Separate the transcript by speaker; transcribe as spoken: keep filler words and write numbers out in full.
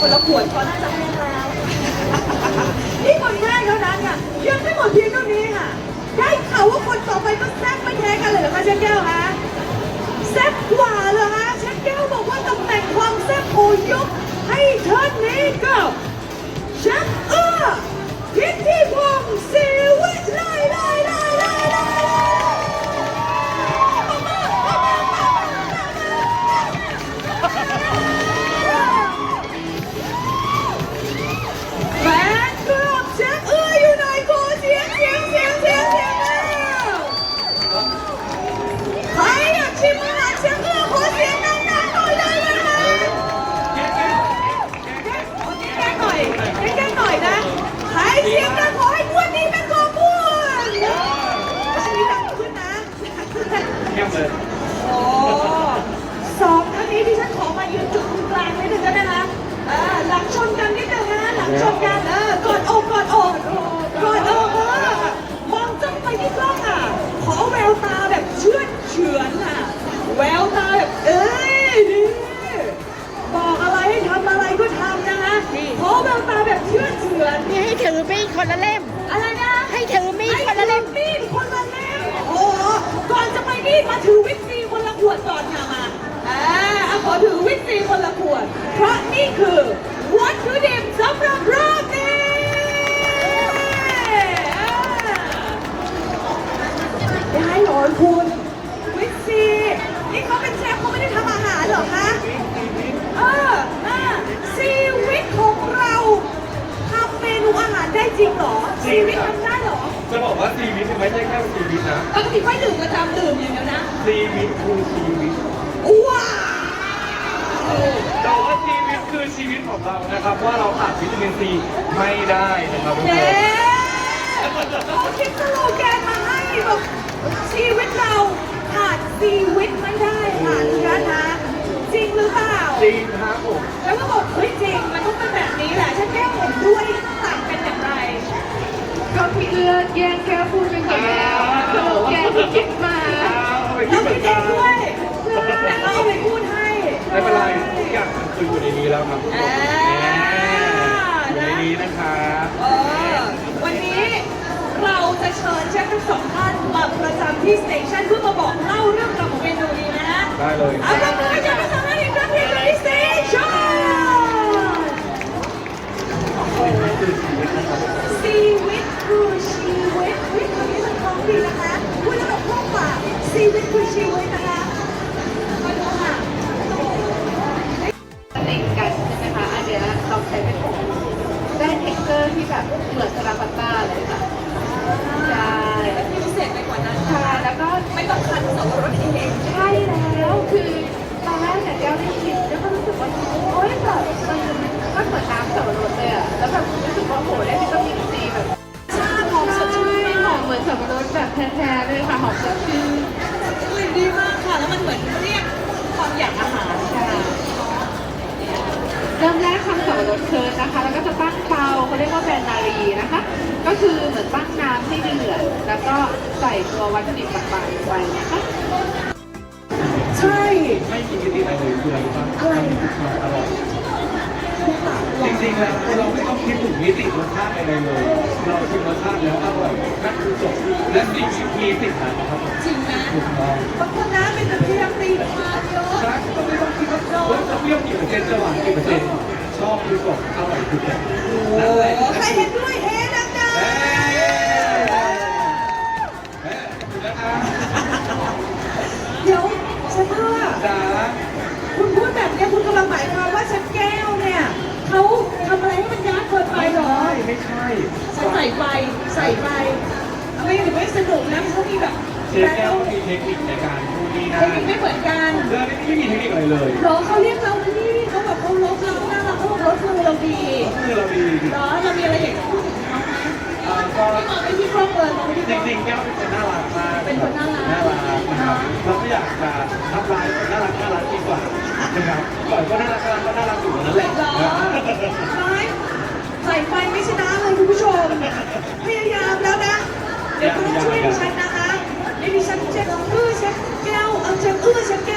Speaker 1: คนละขวดก็น่าจะแห้งแล้วนี่คนแรกเท่านั้นค่ะยังไม่หมดเพียงเท่านี้ค่ะได้ข่าวว่าคนต่อไปก็แซ่บไม่แพ้กันเลยเหรอคะเชฟแก้วคะแซ่บกว่าเหรอคะเชฟแก้วบอกว่าตำแหน่งความแซ่บโอยกให้ท่านนี้กับเชฟเอื้อพิธีพงศ์ศิวิไลไลไลไลไลแฟนคลับเชฟเอื้ออยู่ไหนขอเสียงเสียงเสียงเสียงเสียงใครอยากชิมอาหารเชฟเอื้อขอเสียงดังๆหน่อยได้ไหมคะแก้หน่อยแก้หน่อยนะใครเสียงดังขอให้ม้วนนี้เป็นตัวม้วนอันนี้ดังขึ้นนะแก้มเลยโอ้สองท่านนี้ที่ฉันขอมายืนจุดตรงกลางนิดนึงได้ไหมคะเออหลังชนกันนิดนึงนะหลังชนกันเออกอดอกกอดอกกอดอกเออมองจ้องไปที่กล้องอ่ะขอแววตาแบบเชื่อเฉือนอ่ะแววตาแบบเอ้ยนี่บอกอะไรให้ทำอะไรก็ทำนะคะขอแววตาแบบเชื่อเฉือน
Speaker 2: นี่ให้ถือมีดคนละเล่ม
Speaker 1: อะไรนะ
Speaker 2: ให้ถือมีดคนละเล่ม
Speaker 1: ให้ถือมีดคนละเล่มโอ้โหก่อนจะไปนี่มาถือวิตซีคนละขวดก่อนค่ะมาอ่าเอาขอถือวิตซีคนละขวดเพราะนี่คือวัตถุดิบสำหรับรอบนี้ได้เหรอคุณวิตซีนี่เขาเป็นเชฟเขาไม่ได้ทำอาหารเหรอคะเออเออซีวิตของเราทำเมนูอาหารได้จริงเหรอซีวิตทำได้เหรอ
Speaker 3: จะบอกว่าชีวิตไม่ใช่แค่ชีวิตนะ
Speaker 1: ปกติไม่ดื่มประจำดื่มอย่างเดียวนะ
Speaker 3: ชีวิตคือชีวิต
Speaker 1: ว้าว
Speaker 3: แต่ว่าชีวิตคือชีวิตของเรานะครับว่าเราขาดวิตามินซีไม่ได้นะครับทุกค
Speaker 1: เย้
Speaker 3: น
Speaker 1: เขาคิดสโลแกนมาให้แบบชีวิตเราขาดชีวิตไม่ได้ค่ะทุกท่านนะจริงหรือเปล่า
Speaker 3: จริงครับผม
Speaker 1: แล้วก็บอกเฮ้ยจริงมันต้องเป็นแบบนี้แหละฉันแก้ผมด้วยต่างกันอย่างไร
Speaker 2: ก็พี่เอื้อแย่งแก้วพูดไปก่อนแล้วสโลแกนที่คิดมา
Speaker 3: เอาไป
Speaker 1: เรา
Speaker 3: คิดเหมื
Speaker 1: คิ
Speaker 3: อ
Speaker 1: ด
Speaker 3: น
Speaker 1: เอ
Speaker 3: กัน
Speaker 1: งด้วยแต่เราเอาไปพูดให้
Speaker 3: ไม่เป็นไรทุกอย่างมันคืออยู่ในนี้แล้วครับทุกคน
Speaker 1: อ่า
Speaker 3: อยู่ในนี้นะครับ
Speaker 1: เออวันนี้เราจะเชิญเชฟทั้งสองท่านมาประจำที่สเตชันเพื่อมาบอกเล่าเรื่องราวของเมนูนี้นะ
Speaker 3: ได้เลย
Speaker 1: เอาละมือให้เชฟทั้งสองท่านอีกครั้งที่ที่สเตชันชีวิตคือชีวิตวิธีนี้มันคล้องดีนะคะพูดแล้วแบบคล่องปากชีวิตคือชีวิตนะคะมาดูค่ะ
Speaker 2: ติดกันใช่ไหมคะ อันเนี้ยเราใช้เป็นผงได้เท็กเจอร์ที่แบบเหมือนสลาปัตต้าเลยค่ะ ใช่
Speaker 1: ที่พิเศษไปกว่านั้น
Speaker 2: ค่ะแล้วก็
Speaker 1: ไม่ต้องคั้นสับปะรดเอง
Speaker 2: ใช่แล้วคือตอนแรกเนี่ยแก้วได้ชิมแล้วก็รู้สึกว่าโอ๊ยแบบมันมันเหมือนน้ำสับปะรดเลยอะแล้วแบบรู้สึกว่าโหได้วิตามินซีแบบ
Speaker 1: ชาหอมสดชื่น
Speaker 2: ไม่หอมเหมือนสับปะรดแบบแท้ๆเลยค่ะหอมสดชื่น
Speaker 1: กลิ่นดีมากค่ะ แล้วมันเหมือนเรียกความอยากอาหารค่ะ
Speaker 2: เริ่มแรกทำสับปะรดเคิร์นนะคะ แล้วก็จะตั้งเตาเขาเรียกว่าแบนนารีนะคะ ก็คือเหมือนตั้งน้ำให้เดือดแล้วก็ใส่ตัววัตถุดิบต่างๆลงไปนะคะ
Speaker 1: ใช่
Speaker 3: ไม่มีมิติอะไรเลยคืออะไรรู้ป่ะ
Speaker 1: อะไร
Speaker 3: มันคือความอร่อยจริงๆแล้วเราไม่ต้องคิดถึงมิติรสชาติอะไรเลย เราชิมรสชาติแล้วอร่อยนั่นคือจบและสิ่งที่มีสิ่งนั้นนะครับผม
Speaker 1: จริงนะ
Speaker 3: ถูกต้อง
Speaker 1: บางคนนะเป็นแต่พยายามตีแบบมาเยอะ
Speaker 3: ใช่ก็ไม่ต้องคิดว่าเฮ้ยจะเปรี้ยวกี่เปอร์เซ็นต์จะหวานกี่เปอร์เซ็นต์ชอบคือจบอร่อยคือจบนั่นแหละ
Speaker 1: ใครเห็นด้วยเฮ้ดัง
Speaker 3: เฮ้เฮ้คุณนะคะ
Speaker 1: ๆเดี๋ยวฉันว่า
Speaker 3: จ๋า
Speaker 1: คุณพูดแบบนี้คุณกำลังหมายความว่าฉันแก้วเนี่ยเขาทำอะไรให้มันยากเกินไปเหรอ
Speaker 3: ไม่ใช่
Speaker 1: ฉันใส่ไฟใส่ไฟไม่ถึงไม่สนุกนะเขามีแบบ
Speaker 3: เชฟแก้วมีเทคนิคในการพูดนี่
Speaker 1: เท
Speaker 3: นะ
Speaker 1: คนิคไม่เหมือนกัน
Speaker 3: เรื่องนี้ไม่มีเทคนิคอะไรเลย
Speaker 1: เหรอเขาเรียกเราที่เขาแบบเขาลบเราหน้าเราเขาบอกลบมือเราดี
Speaker 3: คือเราดี
Speaker 1: เหรอเรามีอะไรอยากจะพูดถึงเขาไหม
Speaker 3: อ่าก็
Speaker 1: ไม่มองไปที่ครอบครัวมองไปที่
Speaker 3: จ
Speaker 1: ครอบครัว
Speaker 3: ริงๆแก้วเป็นคนน่ารักมาก
Speaker 1: เป็นคนน่ารัก
Speaker 3: น่ารักนะครับเราก็อยากจะทำลายคนน่ารักน่ารักดีกว่านะครับก่อนก็น่ารักน่ารักก็น่ารักอยู่นั่นแหละ
Speaker 1: เหรอไม่ใส่ไฟไม่ชนะเลยคุณผู้ชม พยายามแล้วนะ เดี๋ยวคุณต้องช่วยดิฉันนะคะนี่ดิฉันเชฟอื้อเชฟแก้วเอาเชฟอื้อเชฟแก้ว